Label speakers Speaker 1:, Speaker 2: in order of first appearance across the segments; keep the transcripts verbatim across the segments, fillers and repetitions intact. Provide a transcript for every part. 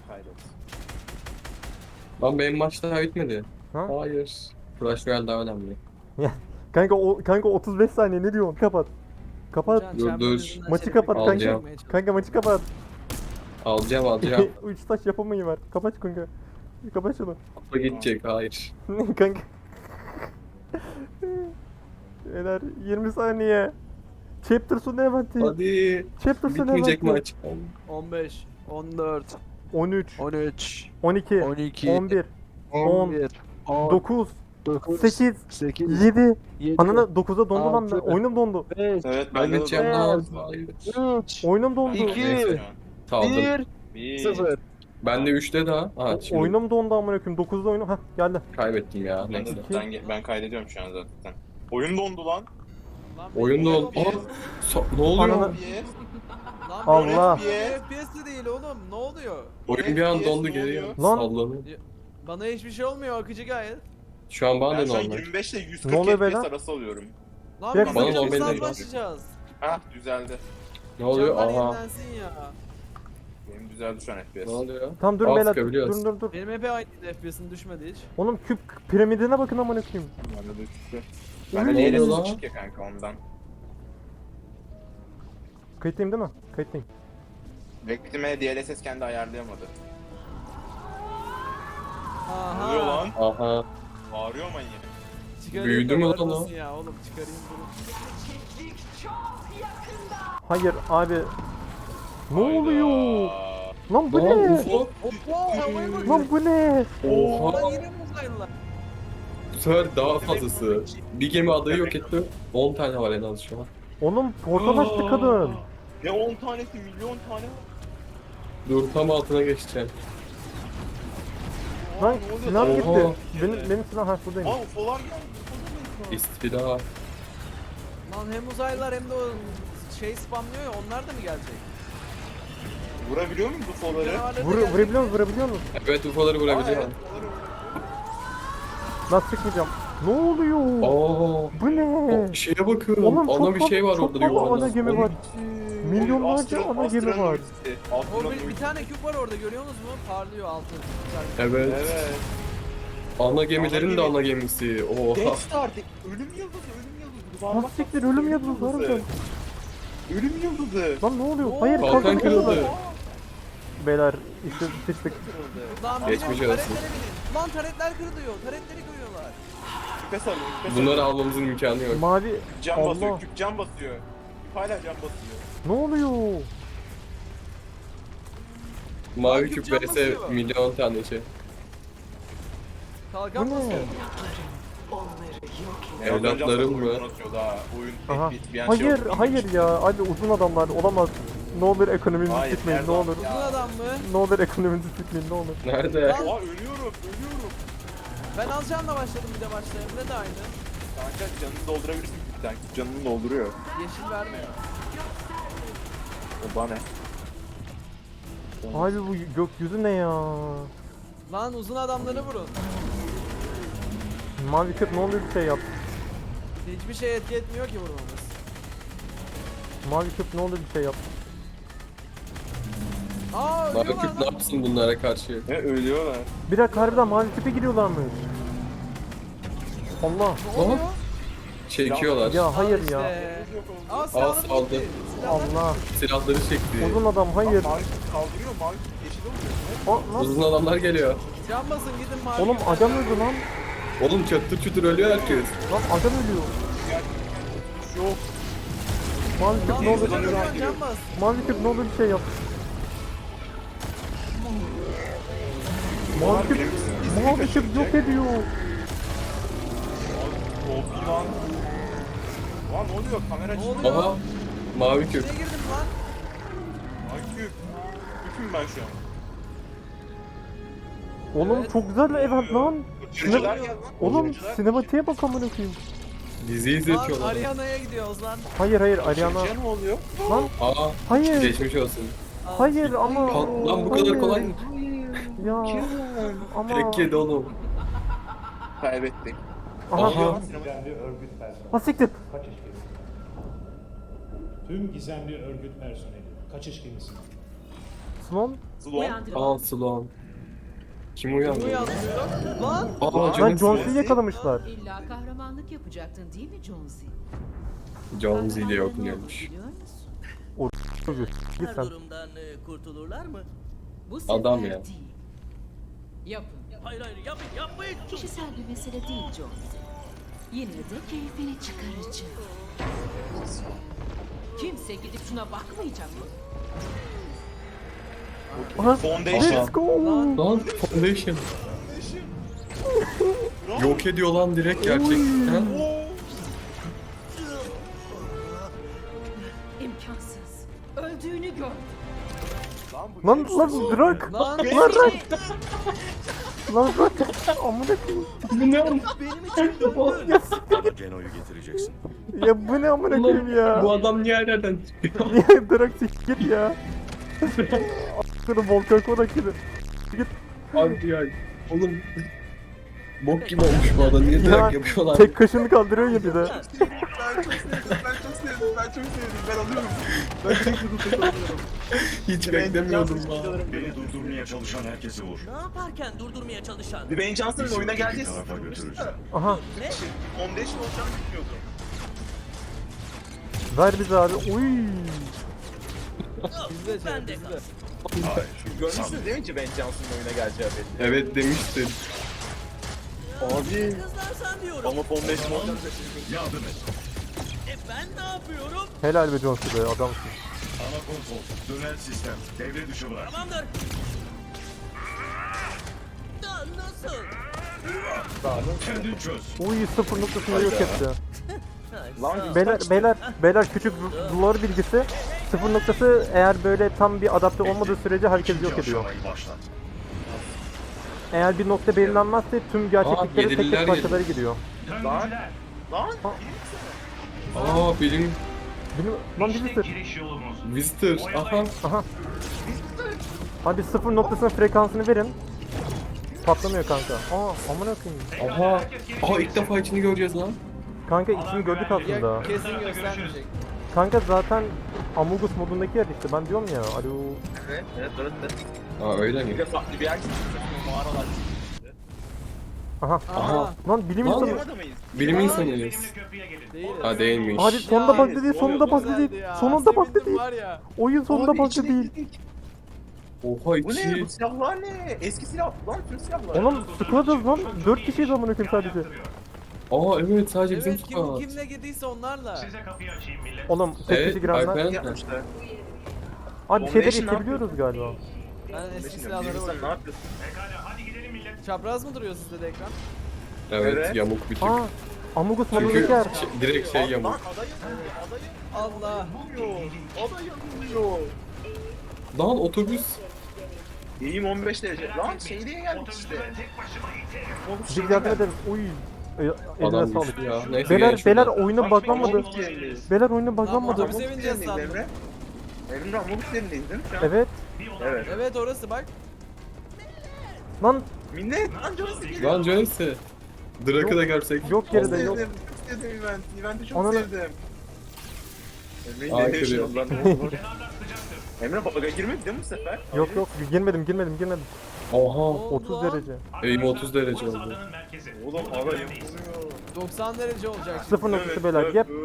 Speaker 1: Kaydet.
Speaker 2: Lan benim maç daha bitmedi.
Speaker 3: Ha?
Speaker 2: Hayır. Clash Royale daha önemli.
Speaker 3: Kanka o kanka otuz beş saniye ne diyorsun? Kapat. Kapat.
Speaker 4: Can,
Speaker 2: Dur,
Speaker 4: Champions
Speaker 2: dur.
Speaker 4: yüzünden
Speaker 3: Maçı
Speaker 4: şerefi
Speaker 3: kapat kanka.
Speaker 2: Alacağım.
Speaker 4: kaybetmeye
Speaker 3: Kanka maçı kapat.
Speaker 2: Alacağım alacağım.
Speaker 3: Üç taş yapamayı var. Kapat kanka. Kapat şunu.
Speaker 2: Kupa gidecek hayır.
Speaker 3: Kanka. Beyler yirmi saniye. Chapter sonu eventi.
Speaker 2: Hadi.
Speaker 3: Chapter sonu
Speaker 2: Bitmeyecek
Speaker 3: eventi.
Speaker 2: maç.
Speaker 4: on beş, on dört,
Speaker 3: on üç,
Speaker 4: on üç,
Speaker 3: on iki,
Speaker 4: on iki,
Speaker 3: on bir, on,
Speaker 4: on bir, on
Speaker 3: dokuz,
Speaker 4: dokuz,
Speaker 3: sekiz,
Speaker 4: sekiz,
Speaker 3: yedi.
Speaker 4: yedi,
Speaker 3: Ananı dokuza dondu lan.
Speaker 4: altı,
Speaker 3: Oyunum dondu.
Speaker 4: beş,
Speaker 1: Evet
Speaker 2: Ben
Speaker 1: de
Speaker 2: gideceğim
Speaker 1: doğru.
Speaker 2: lan. Hayır.
Speaker 4: üç,
Speaker 3: Oyunum dondu.
Speaker 4: İki.
Speaker 1: Neyse.
Speaker 2: Saldım.
Speaker 4: bir,
Speaker 1: Bir.
Speaker 4: sıfır.
Speaker 2: Ben de üçte daha. Ha şimdi
Speaker 3: Oyunum dondu amına koyayım. dokuzda oyunum. Hah geldi.
Speaker 2: kaybettim ya.
Speaker 1: Ben, de,
Speaker 2: Neyse.
Speaker 1: ben, ben kaydediyorum şu an zaten. Oyun dondu lan.
Speaker 4: Lan
Speaker 2: Oyunda
Speaker 4: benim
Speaker 2: ol.
Speaker 4: F P S.
Speaker 2: Aa, so- ne oluyor?
Speaker 3: Ananı-
Speaker 1: F P S.
Speaker 4: Lan
Speaker 3: Allah.
Speaker 4: benim F P S de değil oğlum. Ne oluyor?
Speaker 2: Oyun bir an
Speaker 1: F P S
Speaker 2: dondu
Speaker 1: ne
Speaker 2: geri
Speaker 1: oluyor?
Speaker 3: Lan.
Speaker 2: sallanıyor.
Speaker 4: Bana hiçbir şey olmuyor. Akıcı gayet.
Speaker 2: Şu an bana
Speaker 1: Ben
Speaker 2: da
Speaker 1: şu an
Speaker 2: normal.
Speaker 1: yirmi beş ile yüz
Speaker 3: Ne
Speaker 1: kırk
Speaker 3: oluyor
Speaker 1: F P S
Speaker 3: beyler?
Speaker 1: arası alıyorum.
Speaker 4: Lan
Speaker 3: Bir
Speaker 4: biz
Speaker 3: dakika.
Speaker 2: Bana
Speaker 4: de
Speaker 2: normal
Speaker 4: saat
Speaker 2: değil.
Speaker 4: başlayacağız.
Speaker 1: Ha düzeldi.
Speaker 2: Ne oluyor?
Speaker 4: Canlar
Speaker 2: Aha.
Speaker 4: yenilensin ya.
Speaker 1: Benim düzeldi şu an F P S.
Speaker 2: Ne oluyor?
Speaker 3: Tamam dur
Speaker 2: Aa,
Speaker 3: beyler.
Speaker 2: sıkabiliyoruz.
Speaker 3: Dur dur dur.
Speaker 4: Benim hep aynıydı, F P S'in düşmedi hiç.
Speaker 3: Oğlum küp piramidine bakın amına koyayım.
Speaker 1: Bende de düştü.
Speaker 3: Ne
Speaker 1: Bende
Speaker 2: oluyor
Speaker 1: D L
Speaker 2: lan?
Speaker 1: S çık ya kanka ondan.
Speaker 3: Kayıttayım değil mi? Kayıttayım.
Speaker 1: Bekleme D L S S kendi ayarlayamadı.
Speaker 4: Aha.
Speaker 1: Ne oluyor lan?
Speaker 2: Aha.
Speaker 1: Bağırıyor manyak.
Speaker 4: Çıkarayım
Speaker 2: Büyüdü
Speaker 4: da
Speaker 2: mü lan
Speaker 4: bağırmasın
Speaker 2: o?
Speaker 4: Ya oğlum çıkarayım bunu.
Speaker 3: Hayır abi. Ne
Speaker 1: Hayda.
Speaker 3: oluyor? Lan bu
Speaker 2: Lan
Speaker 3: ne?
Speaker 2: ufo.
Speaker 4: Hoppa havaya bak.
Speaker 3: Lan bu ne?
Speaker 2: Oha.
Speaker 4: Lan yine mi uzaylılar?
Speaker 2: Bu sefer daha fazlası. Bir gemi adayı yok etti. on tane var en az şu an.
Speaker 3: Oğlum portal açtı kadın.
Speaker 1: Ne on tanesi milyon tane.
Speaker 2: Dur tam altına geçeceğim.
Speaker 1: Aa,
Speaker 3: Lan
Speaker 1: ne oluyor
Speaker 3: silah
Speaker 1: lan?
Speaker 3: gitti.
Speaker 2: Oha.
Speaker 3: Benim benim silah ha buradayım.
Speaker 1: Aa ufolar geldi.
Speaker 2: İstila.
Speaker 4: Lan hem uzaylılar hem de o şey spamlıyor ya, onlar da mı gelecek?
Speaker 1: Vurabiliyor muyum bu ufoları?
Speaker 4: Canavarları da
Speaker 3: Vur,
Speaker 4: gelecek.
Speaker 3: vurabiliyor musun? Vurabiliyor musun?
Speaker 2: Evet ufoları
Speaker 1: Aa,
Speaker 2: vurabiliyor.
Speaker 1: evet, ufoları vurabiliyor.
Speaker 3: Lan sıkmayacağım. Ne oluyor?
Speaker 2: Oo.
Speaker 3: Bu ne?
Speaker 2: O şeye bakın.
Speaker 3: Oğlum çok
Speaker 2: Ana bir şey var
Speaker 3: fazla-
Speaker 2: orada
Speaker 3: çok fazla ana
Speaker 2: yuvarlak.
Speaker 3: gemi var. Milyonlarca
Speaker 1: Astro-
Speaker 3: ana gemi var.
Speaker 1: astronomisi.
Speaker 4: O
Speaker 1: Astronomisi.
Speaker 4: bir, bir tane küp var orada, görüyor musunuz mu? Parlıyor altı.
Speaker 2: Evet.
Speaker 1: Evet.
Speaker 2: Ana gemilerin
Speaker 1: Ana
Speaker 2: de
Speaker 1: gemi.
Speaker 2: ana gemisi. Oha.
Speaker 1: Death Star. de- Ölüm yıldızı, ölüm yıldızı.
Speaker 3: Lan siktir ölüm yıldızı harbiden.
Speaker 1: Ölüm yıldızı.
Speaker 3: Lan ne oluyor?
Speaker 4: Oo,
Speaker 3: Hayır
Speaker 2: kalkan
Speaker 3: kalkan
Speaker 2: kırıldı.
Speaker 3: kırıldı. Beyler işte sıçtık.
Speaker 4: Lan
Speaker 2: Geçmiş
Speaker 4: bizim
Speaker 2: olsun.
Speaker 4: taretlere binin. Lan taretler kırılıyor. Taretleri kırıyorlar.
Speaker 1: Küpe sarıyor, küpe sarıyor.
Speaker 2: Bunları almamızın imkanı yok.
Speaker 3: Mavi.
Speaker 1: Can
Speaker 3: Allah.
Speaker 1: basıyor, küp can basıyor. Küp hala can basıyor.
Speaker 3: Ne oluyor?
Speaker 2: Mavi
Speaker 4: Lan
Speaker 2: küp
Speaker 4: küp
Speaker 2: vs
Speaker 4: basıyor.
Speaker 2: milyon tane şey.
Speaker 4: Kalkan
Speaker 3: Bu ne?
Speaker 4: basıyor.
Speaker 2: Evlatlarım mı?
Speaker 1: Oyun
Speaker 3: Aha.
Speaker 1: bir, bir an şey
Speaker 3: Hayır
Speaker 1: oldu.
Speaker 3: hayır ya. Abi uzun adamlar olamaz. Ne olur ekonomimizi
Speaker 1: Hayır,
Speaker 3: sikmeyin ne
Speaker 1: Erdoğan
Speaker 3: olur.
Speaker 1: ya.
Speaker 4: Uzun adam mı?
Speaker 3: Ne olur ekonomimizi sikmeyin ne olur.
Speaker 2: Nerede?
Speaker 4: Lan-
Speaker 1: Oha ölüyorum, ölüyorum.
Speaker 4: Ben alacağımla başladım, bir de başlayayım. Ne de aynı.
Speaker 1: Kanka canını doldurabilirsin. Sen canını dolduruyor.
Speaker 4: Yeşil vermiyor.
Speaker 1: O bana ne?
Speaker 3: Abi bu gökyüzü ne ya?
Speaker 4: Lan uzun adamları vurun.
Speaker 3: Mavi küp ne olur bir şey yap.
Speaker 4: Hiçbir şey etki etmiyor ki vurmamız.
Speaker 3: Mavi küp ne olur bir şey yap.
Speaker 4: Aa
Speaker 2: Mavi
Speaker 4: ölüyorlar
Speaker 2: küp ne
Speaker 4: lan.
Speaker 2: yapsın bunlara karşı?
Speaker 1: Ne ölüyorlar.
Speaker 3: Bir dakika harbiden mavi küpe giriyorlarmış. Allah.
Speaker 4: Ne oluyor?
Speaker 2: Çekiyorlar.
Speaker 3: Ya hayır
Speaker 4: Al
Speaker 3: ya.
Speaker 4: işte. Aa
Speaker 2: Al,
Speaker 4: silahını
Speaker 2: saldı.
Speaker 4: bitti. Silahlar-
Speaker 3: Allah.
Speaker 2: Silahları çekti.
Speaker 3: Uzun adam hayır.
Speaker 1: Mavi kaldırıyor, mavi yeşil oluyor.
Speaker 3: Aa, lan.
Speaker 2: Uzun adamlar geliyor.
Speaker 4: Can basın gidin mavi.
Speaker 3: Oğlum
Speaker 4: küpe.
Speaker 3: adam öldü lan.
Speaker 2: Oğlum çatır çutur ölüyor herkes.
Speaker 3: Lan adam ölüyor.
Speaker 1: Yok.
Speaker 3: Mavi küp
Speaker 4: Lan
Speaker 3: ne olur.
Speaker 4: uzun adam can bas.
Speaker 3: Mavi küp ne olur bir şey yap. Mavi küp. Mavi küp yok ediyor.
Speaker 1: Oldu lan. Lan ne oluyor? Kamera
Speaker 4: Ne
Speaker 1: açıldı.
Speaker 4: oluyor?
Speaker 2: Aha. Mavi küp.
Speaker 4: Neye girdim lan?
Speaker 1: Ay küp. Küpüm ben şu an.
Speaker 3: Oğlum
Speaker 4: Evet.
Speaker 3: çok güzel evet lan.
Speaker 1: Kaçırıcılar geldi lan.
Speaker 3: Oğlum
Speaker 1: Kaçırıcılar
Speaker 3: sinematiğe bak amına koyayım.
Speaker 2: Dizi
Speaker 4: Lan
Speaker 2: izletiyorlar.
Speaker 4: Ariana'ya gidiyoruz lan.
Speaker 3: Hayır hayır Ariana.
Speaker 1: Kaçırıcıya ne oluyor?
Speaker 3: Lan
Speaker 2: Aa.
Speaker 3: hayır.
Speaker 2: Geçmiş olsun.
Speaker 3: Hayır ama.
Speaker 2: Ka- Lan bu kadar
Speaker 3: Hayır.
Speaker 2: kolay mı?
Speaker 3: Ya ama.
Speaker 2: Tek yedi oğlum.
Speaker 1: Kaybettik.
Speaker 3: Aha.
Speaker 2: Aha.
Speaker 5: Gizemli örgüt personeli.
Speaker 3: Ha siktir.
Speaker 5: Kaçış gemisi. Tüm gizemli örgüt personeli. Kaçış gemisi.
Speaker 3: Slon?
Speaker 1: Sloan.
Speaker 2: Aa Sloan. Kim uyandı?
Speaker 4: Bu yazıyor. Lan.
Speaker 2: Aa
Speaker 3: Lan
Speaker 2: Jonesy.
Speaker 3: Jones'u yakalamışlar.
Speaker 6: İlla kahramanlık yapacaktın değil mi Jonesy?
Speaker 2: Jonesy ile
Speaker 6: Kahramanlığın
Speaker 2: okunuyormuş.
Speaker 6: ne olur biliyor musun?
Speaker 3: Çocuğu. Git
Speaker 7: Her
Speaker 3: sen.
Speaker 7: durumdan e, kurtulurlar mı?
Speaker 6: Bu sefer
Speaker 2: Adam ya.
Speaker 6: değil. Yapın.
Speaker 7: Hayır hayır yapmayın yapmayın.
Speaker 6: Kişisel bir mesele değil Jonesy. Yine de keyfini çıkaracağım. Kimse gidip şuna bakmayacak mı?
Speaker 3: Aha.
Speaker 1: Foundation.
Speaker 3: Let's go.
Speaker 2: Lan Foundation. Yok ediyor lan direkt gerçekten.
Speaker 6: İmkansız. Öldüğünü gördüm.
Speaker 3: Lan lan bırak.
Speaker 4: Lan.
Speaker 3: Lan bırak. Lan bırak. Amına koyayım.
Speaker 2: Bu ne oğlum?
Speaker 1: Bana Geno'yu getireceksin.
Speaker 3: Ya bu ne amına koyayım ya.
Speaker 2: Bu adam niye her yerden çıkıyor?
Speaker 3: Niye bırak siktir ya. Şunu volkan konak gibi.
Speaker 2: Abi ya. Oğlum. Bok gibi olmuş bu adam. Niye
Speaker 3: Ya,
Speaker 2: direkt yapıyorlar?
Speaker 3: Tek kaşını kaldırıyor ya bir de.
Speaker 1: Ben çok sevdim, ben çok sevdim, ben çok sevdim. Ben alıyorum. Ben çok sevdim.
Speaker 2: Hiç beklemiyordum lan.
Speaker 8: Beni durdurmaya çalışan herkese vur.
Speaker 7: Ne yaparken durdurmaya çalışan?
Speaker 1: Dwayne Johnson'ın
Speaker 8: Bizi
Speaker 1: oyuna
Speaker 8: öteki
Speaker 1: geleceği
Speaker 8: tarafa götüreceğim.
Speaker 3: Aha.
Speaker 7: Ne?
Speaker 1: Foundation olacağını bilmiyordum.
Speaker 3: Ver bize abi. Uy.
Speaker 4: Bizde şey
Speaker 7: Ben de
Speaker 4: bizde.
Speaker 7: kal.
Speaker 8: Hayır.
Speaker 1: Görmüşsünüz değil mi Dwayne Johnson'ın oyuna geleceği belli.
Speaker 2: Evet demiştin.
Speaker 1: Abi.
Speaker 7: Kızlarsan diyorum.
Speaker 1: Ama Foundation olacağını
Speaker 8: Yardım et.
Speaker 7: E ben ne yapıyorum?
Speaker 3: Helal be Jonesy be adamsın.
Speaker 8: Ana konsol. Dönen sistem. Devre dışı bırak.
Speaker 7: Tamamdır. Da nasıl?
Speaker 8: Kendin çöz.
Speaker 3: Uy sıfır noktasını yok etti.
Speaker 7: Lan
Speaker 3: Beyler beyler beyler küçük lore bilgisi. Sıfır noktası eğer böyle tam bir adapte olmadığı sürece herkes yok ediyor.
Speaker 8: Aşamayı başlat.
Speaker 3: Eğer bir nokta belirlenmezse tüm gerçeklikleri tek
Speaker 2: yedililer
Speaker 3: tek parçalara gidiyor.
Speaker 1: Lan. Lan.
Speaker 2: Aa benim
Speaker 3: Benim lan birisi.
Speaker 2: visitor. Aha.
Speaker 3: Aha. Hadi sıfır noktasının frekansını verin. Patlamıyor kanka. Aa amına koyayım.
Speaker 2: Aha. Aha ilk defa içini göreceğiz lan.
Speaker 3: Kanka içini gördük aslında.
Speaker 4: Ya kesin göstermeyecek.
Speaker 3: Kanka zaten Amogus modundaki yer işte ben diyorum ya. Alo.
Speaker 1: Evet, evet, evet, evet.
Speaker 2: Aa öyle
Speaker 1: Bir
Speaker 2: mi?
Speaker 1: de farklı bir yer çıktı. Mağaralar.
Speaker 3: Aha.
Speaker 4: Aha.
Speaker 3: Lan bilim
Speaker 2: Lan
Speaker 3: insanı.
Speaker 1: Bilim adamıyız.
Speaker 2: Bilim insanıyız.
Speaker 4: Değil.
Speaker 2: Ha değilmiş.
Speaker 3: Hadi sonunda
Speaker 4: Ya,
Speaker 3: bug değil, sonunda bug
Speaker 4: Güzeldi
Speaker 3: değil.
Speaker 4: ya,
Speaker 3: Sonunda bug
Speaker 4: sevindim
Speaker 3: değil.
Speaker 4: var ya.
Speaker 3: Oyun sonunda
Speaker 1: Abi
Speaker 3: bug
Speaker 1: içine
Speaker 3: değil.
Speaker 1: girdik.
Speaker 2: Oha
Speaker 1: Bu ne?
Speaker 2: içi.
Speaker 1: Bu silahlar ne? Eski silah lan, tüm silahlar.
Speaker 3: Oğlum squad'ız lan. dört kişiyiz amına koyayım sadece.
Speaker 2: Aa evet sadece bizim
Speaker 4: Evet kim,
Speaker 2: squad.
Speaker 4: kim ne girdiyse onlarla.
Speaker 3: Oğlum tek
Speaker 2: Evet
Speaker 3: kişi girenler.
Speaker 2: Alperen.
Speaker 1: yapmışlar.
Speaker 3: Abi şeyleri
Speaker 1: Foundation ne
Speaker 3: içebiliyoruz galiba.
Speaker 4: Ben eski
Speaker 1: Sen
Speaker 4: silahlara
Speaker 1: ne
Speaker 4: bakıyorum.
Speaker 1: yapıyorsun?
Speaker 4: Çapraz mı duruyor sizde de ekran?
Speaker 2: Evet
Speaker 1: Evet.
Speaker 2: yamuk bir tık.
Speaker 3: Aa Amogus
Speaker 2: Çünkü
Speaker 3: modundaki yer.
Speaker 2: şey- direkt şey
Speaker 1: Lan
Speaker 2: yamuk.
Speaker 1: aday yanıyor, aday
Speaker 4: Allah.
Speaker 1: yanıyor. Aday yanıyor.
Speaker 2: Lan otobüs.
Speaker 1: İyiyim on beş derece. Lan şey diye geldik işte.
Speaker 3: Bir yardım edelim. Uy. E, Eline
Speaker 2: Adam
Speaker 3: sağlık.
Speaker 2: düştü ya. Neyse
Speaker 3: Beyler
Speaker 2: gel
Speaker 3: beyler
Speaker 2: şuradan.
Speaker 3: oyuna buglanmadı.
Speaker 1: Amobus yerindeyiz.
Speaker 3: Beyler oyuna
Speaker 4: Lan
Speaker 3: buglanmadı.
Speaker 4: otobüse
Speaker 1: Amobus
Speaker 4: bineceğiz
Speaker 1: yerindeyiz
Speaker 4: sandım.
Speaker 1: Emre. Emre Amobus yerindeyiz değil mi şu an?
Speaker 3: Evet.
Speaker 1: Evet.
Speaker 4: Evet orası bak.
Speaker 3: Lan
Speaker 1: Minnet. Lan canısı geliyor.
Speaker 2: Lan Jonesy. Drak'ı da görsek.
Speaker 3: yok
Speaker 1: Çok
Speaker 3: geride yok.
Speaker 1: sevdim. Çok sevdim eventi. Eventi çok
Speaker 3: Ananı-
Speaker 1: sevdim. Emre'yi
Speaker 2: Aa,
Speaker 1: ne
Speaker 2: kırıyor.
Speaker 1: yaşıyor lan? Emre baga girmedi değil mi bu sefer?
Speaker 3: Yok yok girmedim girmedim girmedim.
Speaker 2: Oha.
Speaker 3: otuz derece.
Speaker 2: Eğim otuz derece oldu.
Speaker 1: Oğlum hava yapılıyor.
Speaker 4: doksan derece olacak.
Speaker 3: Sıfır noktası beyler. Yep.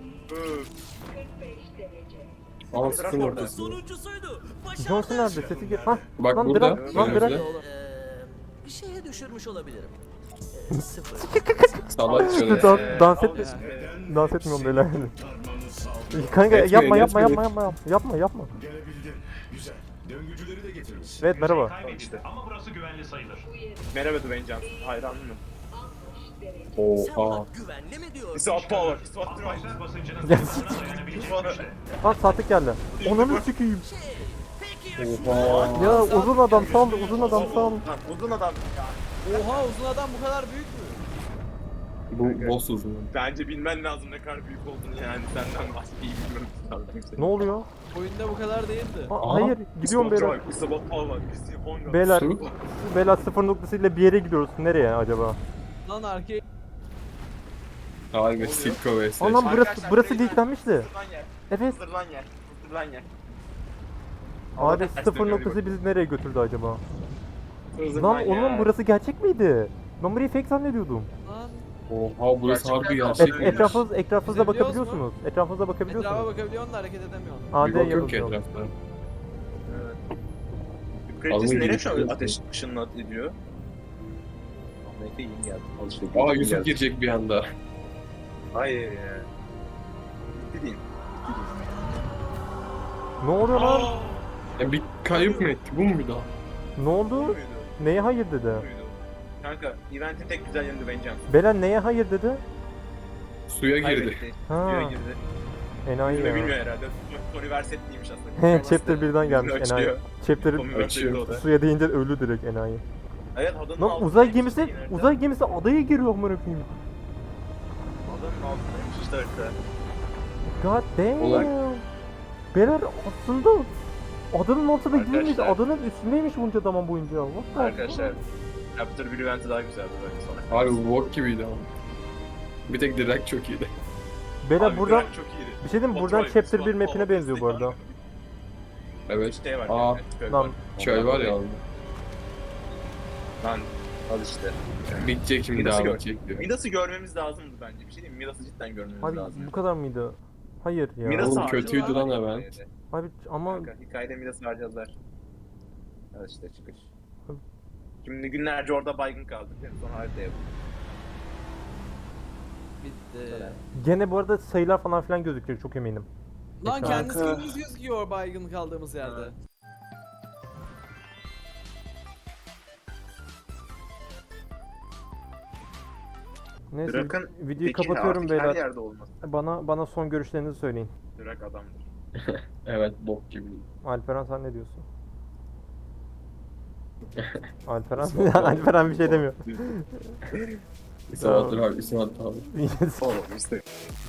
Speaker 2: Aa sıfır noktası.
Speaker 7: Sonuncusuydu. Başardım.
Speaker 3: Johnson nerede? Sesi gel. Hah.
Speaker 2: Bak
Speaker 3: Lan
Speaker 2: burada.
Speaker 3: bırak, lan
Speaker 2: önümüzde.
Speaker 3: bırak.
Speaker 7: Ee, bir şeye düşürmüş olabilirim. Ee, sıfır.
Speaker 2: Salak Jonesy.
Speaker 3: Dans, dans et dans etmiyorum beyler. Kanka
Speaker 2: Etmeyin,
Speaker 3: yapma yapma
Speaker 2: etmeyin.
Speaker 3: yapma yapma yapma yapma.
Speaker 8: Gelebildin. Güzel. Döngücüleri de getirmişsin.
Speaker 3: Evet merhaba.
Speaker 1: İşte.
Speaker 9: Ama burası güvenli sayılır.
Speaker 1: Merhaba Dwayne Johnson. Hayranım.
Speaker 7: Sen
Speaker 2: Oha.
Speaker 7: bak güvenli mi diyorsun?
Speaker 1: İspat power. İspat power.
Speaker 9: Atmosfer basıncının
Speaker 3: Ya.
Speaker 9: sınırlarına dayanabilir.
Speaker 3: Lan saatlik geldi. Onunu sikeyim.
Speaker 7: Peki
Speaker 2: Oha.
Speaker 3: Ya uzun adam sal uzun adam sal.
Speaker 1: Lan uzun adam ya.
Speaker 4: Oha uzun adam bu kadar büyük mü?
Speaker 2: Bu boss uzun.
Speaker 1: Bence bilmen lazım ne kadar büyük olduğunu yani senden başka iyi bilmem lazım.
Speaker 3: Ne oluyor?
Speaker 4: Oyunda bu kadar değildi.
Speaker 3: Aa, hayır gidiyorum beyler.
Speaker 1: İspat power. İspat
Speaker 3: Beyler
Speaker 2: Su.
Speaker 3: beyler sıfır noktasıyla bir yere gidiyoruz. Nereye acaba?
Speaker 4: Lan arkaya
Speaker 2: Harbi Silko vs.
Speaker 3: Aa lan burası burası leaklenmişti.
Speaker 1: Hazırlan yer.
Speaker 3: Evet.
Speaker 1: Hazırlan yer. Hazırlan yer.
Speaker 3: Abi
Speaker 1: Ters
Speaker 3: sıfır
Speaker 1: dönüyor
Speaker 3: noktası bizi nereye götürdü acaba?
Speaker 1: Hızlıdan
Speaker 3: Lan
Speaker 1: ya.
Speaker 3: oğlum burası gerçek miydi? Ben burayı fake zannediyordum.
Speaker 4: Lan
Speaker 2: Oha burası
Speaker 1: Gerçekten
Speaker 2: harbi
Speaker 1: kalsın.
Speaker 2: gerçek.
Speaker 3: Et, etrafınız, etrafınıza
Speaker 4: Biz biliyoruz
Speaker 3: bakabiliyorsunuz. Etrafınıza
Speaker 4: etrafa
Speaker 3: bakabiliyorsunuz.
Speaker 4: bakabiliyorsun da hareket edemiyorsun.
Speaker 2: Bir
Speaker 3: A D
Speaker 2: bok yok ki
Speaker 3: yapabiliyor.
Speaker 2: etrafta.
Speaker 1: Kraliçesi
Speaker 2: Alın
Speaker 1: nereye
Speaker 2: gibi
Speaker 1: şu an
Speaker 2: diyorsun.
Speaker 1: ateş ışınla ediyor? Ahmet'e iyi geldi. Al işte.
Speaker 2: Aa
Speaker 1: iyi
Speaker 2: Yusuf
Speaker 1: geldi.
Speaker 2: girecek bir anda.
Speaker 1: Hayır ya. Bitti değil.
Speaker 3: Ne oluyor lan?
Speaker 2: Ya bir kayıp mı etti? Bu mu bir daha?
Speaker 3: Ne oldu?
Speaker 1: Buydu.
Speaker 3: Neye hayır dedi?
Speaker 1: Buydu. Kanka, eventin tek güzel yanı Vengeance.
Speaker 3: Belen neye hayır dedi?
Speaker 2: Suya girdi.
Speaker 1: Kaybetti.
Speaker 3: Ha.
Speaker 1: Suya girdi.
Speaker 3: Enayi
Speaker 1: Yüzme
Speaker 3: ya.
Speaker 1: bilmiyor herhalde. Tony Versetti'ymiş aslında.
Speaker 3: He chapter birden gelmiş
Speaker 1: Yüzünü
Speaker 3: enayi.
Speaker 1: açıyor.
Speaker 3: Chapter
Speaker 1: Tommy Versetti o da.
Speaker 3: suya deyince ölü direkt enayi.
Speaker 1: Evet adanın
Speaker 3: Lan
Speaker 1: altındaymış
Speaker 3: uzay gemisi,
Speaker 1: işte yine.
Speaker 3: uzay gemisi adaya giriyor amına koyayım.
Speaker 1: Adanın altındaymış işte harita.
Speaker 3: God damn.
Speaker 2: Ulan.
Speaker 3: Beyler aslında adanın altında değilmiş,
Speaker 1: Arkadaşlar.
Speaker 3: adanın üstündeymiş bunca zaman boyunca. What the
Speaker 1: Arkadaşlar. Chapter bir eventi daha güzeldi belki sonra.
Speaker 2: Harbi walk gibiydi ama. Bir tek direkt çok iyiydi.
Speaker 3: Beyler
Speaker 1: Abi,
Speaker 3: buradan
Speaker 1: Drag çok iyiydi.
Speaker 3: bir şey diyeyim mi? Buradan
Speaker 1: Kontrol
Speaker 3: chapter bir
Speaker 1: kısmı,
Speaker 3: map'ine
Speaker 1: o-
Speaker 3: benziyor bu arada.
Speaker 2: Evet.
Speaker 1: Şey var.
Speaker 2: Aa,
Speaker 1: yani, köy
Speaker 3: lan.
Speaker 1: var.
Speaker 2: Çöl var ya.
Speaker 1: Lan al işte.
Speaker 2: Bitecek şimdi
Speaker 1: Midas'ı
Speaker 2: devam
Speaker 1: gör.
Speaker 2: edecek diyor.
Speaker 1: Midas'ı görmemiz lazımdı bence. Bir şey diyeyim mi? Midas'ı cidden görmemiz
Speaker 3: Abi
Speaker 1: lazım.
Speaker 3: bu kadar mıydı? Hayır ya.
Speaker 1: Midas'ı
Speaker 2: Oğlum
Speaker 1: harcadılar.
Speaker 2: kötüydü lan hemen.
Speaker 3: Abi ama
Speaker 1: Kanka, hikayede Midas'ı harcadılar. Evet işte çıkış. Şimdi günlerce orada baygın kaldık. Yani sonra harita yapalım.
Speaker 4: Bitti.
Speaker 3: gene bu arada sayılar falan filan gözüküyor çok eminim.
Speaker 4: Lan
Speaker 3: Kanka.
Speaker 4: kendi skinimiz gözüküyor baygın kaldığımız yerde.
Speaker 1: Evet.
Speaker 3: Neyse
Speaker 1: Drak'ın
Speaker 3: videoyu
Speaker 1: peki
Speaker 3: kapatıyorum
Speaker 1: artık her
Speaker 3: beyler.
Speaker 1: yerde olması.
Speaker 3: Bana bana son görüşlerinizi söyleyin.
Speaker 1: Drak adamdır.
Speaker 2: Evet bok gibi.
Speaker 3: Alperen sen ne diyorsun? Alperen Alperen bir şey demiyor.
Speaker 2: İsmail abi, İsmail abi.
Speaker 1: Oğlum işte.